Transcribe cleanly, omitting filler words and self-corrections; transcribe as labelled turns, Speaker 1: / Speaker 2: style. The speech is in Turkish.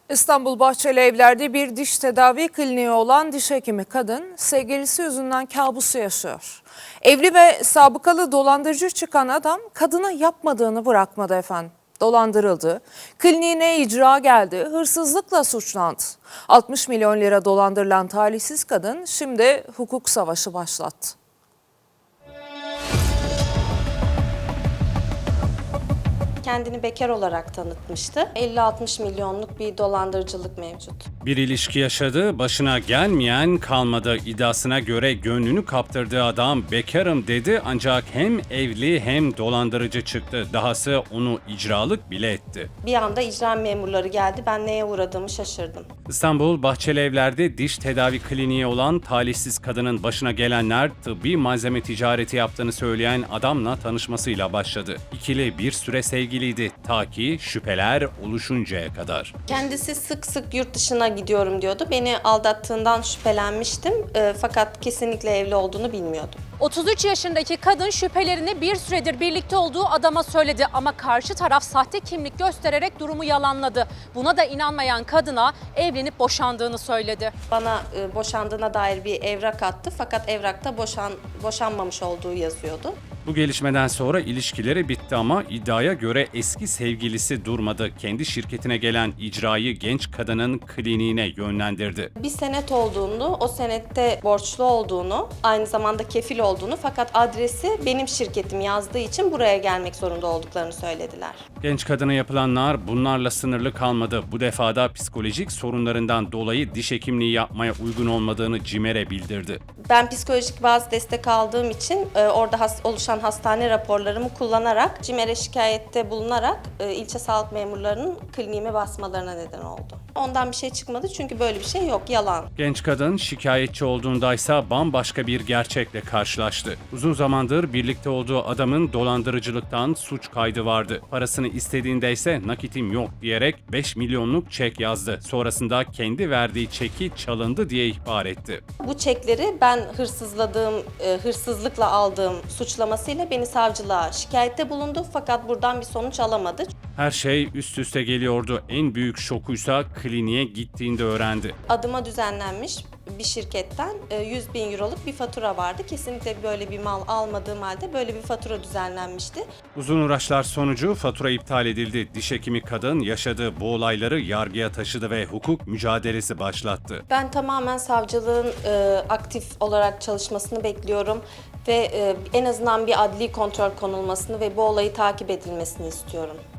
Speaker 1: İstanbul Bahçelievler'de bir diş tedavi kliniği olan diş hekimi kadın sevgilisi yüzünden kabusu yaşıyor. Evli ve sabıkalı dolandırıcı çıkan adam kadına yapmadığını bırakmadı efendim. Dolandırıldı, kliniğine icra geldi, hırsızlıkla suçlandı. 60 milyon lira dolandırılan talihsiz kadın şimdi hukuk savaşı başlattı.
Speaker 2: Kendini bekar olarak tanıtmıştı. 50-60 milyonluk bir dolandırıcılık mevcut.
Speaker 3: Bir ilişki yaşadı, başına gelmeyen kalmadı iddiasına göre gönlünü kaptırdığı adam bekarım dedi ancak hem evli hem dolandırıcı çıktı. Dahası onu icralık bile etti.
Speaker 2: Bir anda icra memurları geldi. Ben neye uğradığımı şaşırdım.
Speaker 3: İstanbul Bahçelievler'de diş tedavi kliniği olan talihsiz kadının başına gelenler tıbbi malzeme ticareti yaptığını söyleyen adamla tanışmasıyla başladı. İkili bir süre sevgiliydi ta ki şüpheler oluşuncaya kadar.
Speaker 2: Kendisi sık sık yurt dışına gidiyorum diyordu. Beni aldattığından şüphelenmiştim. Fakat kesinlikle evli olduğunu bilmiyordum.
Speaker 4: 33 yaşındaki kadın şüphelerini bir süredir birlikte olduğu adama söyledi ama karşı taraf sahte kimlik göstererek durumu yalanladı. Buna da inanmayan kadına evlenip boşandığını söyledi.
Speaker 2: Bana boşandığına dair bir evrak attı fakat evrakta boşanmamış olduğu yazıyordu.
Speaker 3: Bu gelişmeden sonra ilişkileri bitti ama iddiaya göre eski sevgilisi durmadı. Kendi şirketine gelen icrayı genç kadının kliniğine yönlendirdi.
Speaker 2: Bir senet olduğunu, o senette borçlu olduğunu, aynı zamanda kefil olduğunu fakat adresi benim şirketim yazdığı için buraya gelmek zorunda olduklarını söylediler.
Speaker 3: Genç kadına yapılanlar bunlarla sınırlı kalmadı. Bu defada psikolojik sorunlarından dolayı diş hekimliği yapmaya uygun olmadığını CİMER'e bildirdi.
Speaker 2: Ben psikolojik bazı destek aldığım için orada oluşan hastane raporlarımı kullanarak CİMER'e şikayette bulunarak ilçe sağlık memurlarının kliniğime basmalarına neden oldu. Ondan bir şey çıkmadı çünkü böyle bir şey yok, yalan.
Speaker 3: Genç kadın şikayetçi olduğundaysa bambaşka bir gerçekle karşılaştı. Uzun zamandır birlikte olduğu adamın dolandırıcılıktan suç kaydı vardı. Parasını istediğinde ise nakitim yok diyerek 5 milyonluk çek yazdı. Sonrasında kendi verdiği çeki çalındı diye ihbar etti.
Speaker 2: Bu çekleri ben hırsızlıkla aldığım suçlamasıyla beni savcılığa şikayette bulundu fakat buradan bir sonuç alamadı.
Speaker 3: Her şey üst üste geliyordu. En büyük şokuysa kliniğe gittiğinde öğrendi.
Speaker 2: Adıma düzenlenmiş bir şirketten 100 bin euroluk bir fatura vardı. Kesinlikle böyle bir mal almadığım halde böyle bir fatura düzenlenmişti.
Speaker 3: Uzun uğraşlar sonucu fatura iptal edildi. Diş hekimi kadın yaşadığı bu olayları yargıya taşıdı ve hukuk mücadelesi başlattı.
Speaker 2: Ben tamamen savcılığın aktif olarak çalışmasını bekliyorum ve en azından bir adli kontrol konulmasını ve bu olayı takip edilmesini istiyorum.